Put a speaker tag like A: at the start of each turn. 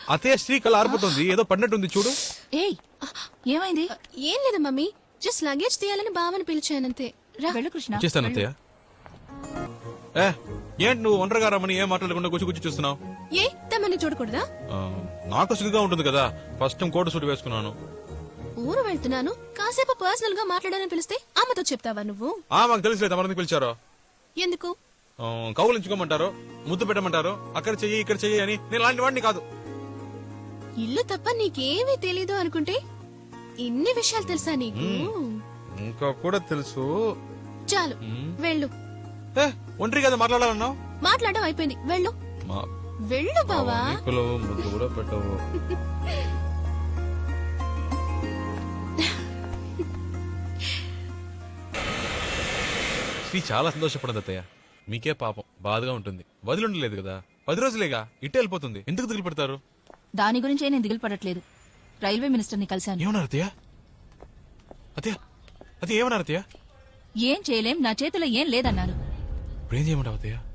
A: అతయ్య శ్రీ కళ ఆరిపోతుంది, ఏదో పడినట్టుంది చూడు.
B: ఏయ్ ఏమైంది?
C: ఏం లేదు మమ్మీ, జస్ట్ లగేజ్ తీయాలని బావని పిలిచానంతే. రా.
B: వెళ్ళు కృష్ణ.
A: చేస్తాను అత్తయ్య. ఏ ఏంటి నువ్వు ఒంటరిగా రమ్మని ఏం మాట్లాడకుండా గుచ్చి చూస్తున్నావు?
C: ఏ తమ్మని చూడకూడదా?
A: నాకు సిగ్గుగా ఉంటుంది కదా, ఫస్ట్ టైం కోట సూట్ వేసుకున్నాను.
C: ఊరు వెళ్తున్నాను, కాసేపు పర్సనల్ గా మాట్లాడాలని పిలిస్తే అమ్మతో చెప్తావా నువ్వు?
A: మాకు తెలుసులేదు ఎవరిని పిలిచారో.
C: ఎందుకు?
A: కౌలించుకోమంటారు, ముద్దు పెట్టమంటారు, అక్కడ చెయ్యి ఇక్కడ చెయ్యి అని. నేను లాంటి వాడిని కాదు.
C: ఇల్లు తప్ప నీకేమీ తెలీదు అనుకుంటే ఇన్ని విషయాలు తెలుసా నీకు?
A: ఇంకా కూడా తెలుసు.
C: చాలు వెళ్ళు.
A: ఒంటరి కదా మాట్లాడాలన్నావు?
C: మాట్లాడడం అయిపోయింది, వెళ్ళు. వెళ్ళు బావా.
A: ముద్దు కూడా పెట్టవు. శ్రీ చాలా సంతోషపడదు అత్తయ్య. మీకే పాపం బాధగా ఉంటుంది. వదిలిండలేదు కదా, 10 రోజులేగా ఇట్టే వెళ్ళిపోతుంది. ఎందుకు దిగులు పెడతారు?
B: దాని గురించే నేను దిగులు పడట్లేదు. రైల్వే మినిస్టర్ ని కలిశాను.
A: ఏమన్నారు అత్తయ్య? అత్తయ్య అదే ఏమన్నారు అత్తయ్య?
B: ఏం చేయలేం, నా చేతిలో ఏం లేదన్నారు.
A: ఇప్పుడు ఏం చేయమంటావు అత్తయ్య?